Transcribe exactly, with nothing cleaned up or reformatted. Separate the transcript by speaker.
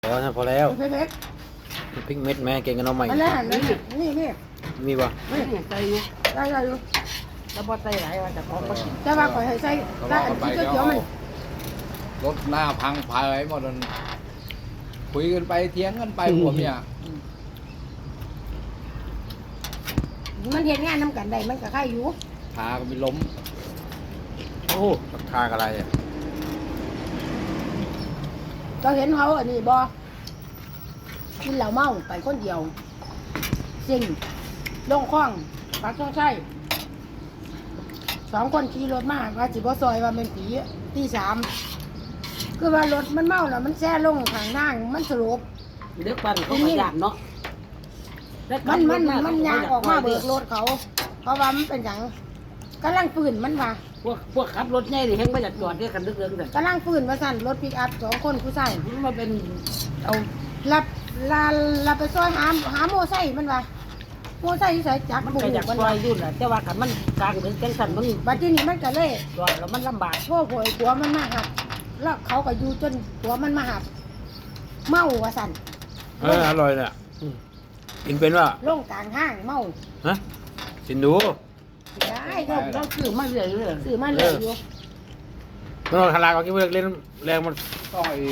Speaker 1: พอนะพอแล้ว
Speaker 2: เผ็ด
Speaker 1: พริกเม็ดแม่เก่งกันเอาใหม่
Speaker 2: ๆมันแล่นนี่นี่นี่
Speaker 1: มีป่ะ
Speaker 3: ไม่เห็นใจไง
Speaker 2: ได้ได้ดู
Speaker 3: แล้วพอใจหลายว่าจะขอก็กิน
Speaker 2: แต่ว่าข่อยให้ใส่ได้อันที่เขียวๆมัน
Speaker 4: รถหน้าพังพายหมดนั่นคุยกันไปเถียงกันไปผมเนี่ย
Speaker 2: มันเห็นงานน้ำกันได้มันก็ไข่อยู่
Speaker 4: พาก็มีล้ม
Speaker 1: โอ้ทากอะไรอ่ะ
Speaker 2: เราเห็นเขาอันนี้บ่กินเหล้าเมาไปคนเดียวสิ่งลงคลองปากช่องใช่สองคนขี่รถมาว่าสิบ่ซอยว่าเป็นผีตีสามคือว่ารถมันเมาแล้วมันแช่ลงทางนั่งมันสลบ
Speaker 3: เด็กปั่นเขาขยันเนาะ
Speaker 2: มันมันมันยางออกมาเบิกรถเขา เพราะว่ามันเป็นอย่างกำลังปืนมันว่า
Speaker 3: พวกพวกขับรถใหญ่ดิเฮงมาจากจอดเรียกกันลึกๆแต่
Speaker 2: กำลังปืนว่าสั่นรถปิกอัพสองคนผู้ชาย
Speaker 3: มันมาเป็นเอา
Speaker 2: รับลาลาไปซอยหาหาโมไซค์มันว่าโมไซค์ที่ใส่จักร
Speaker 3: มัน
Speaker 2: บุ
Speaker 3: ก็
Speaker 2: ก
Speaker 3: อยาก
Speaker 2: มัน
Speaker 3: ซอ
Speaker 2: ว่าย
Speaker 3: ยุ่นแหละแต่ว่ากันมันกลางถึงจังสันมัน
Speaker 2: บัดทีนี้มันก็เลย
Speaker 3: จอดแล้วมันลำบาก
Speaker 2: โทษโผยผัวมันมาหับแล้วเขาก็อยู่จนผัวมันมาหับเมาว่าสั่น
Speaker 1: เอออร่อยเนี่ยกินเป็นป่ะ
Speaker 2: ลงกลางห้างเมา
Speaker 1: ฮะกินดู
Speaker 2: ได้
Speaker 3: เราเราซื้อมาเรื่อยๆ
Speaker 2: ซื้อมาเลยอยู่
Speaker 1: มันเอาทาราก็กินเลิกเล่นแรงมัน
Speaker 4: ต้องไอ้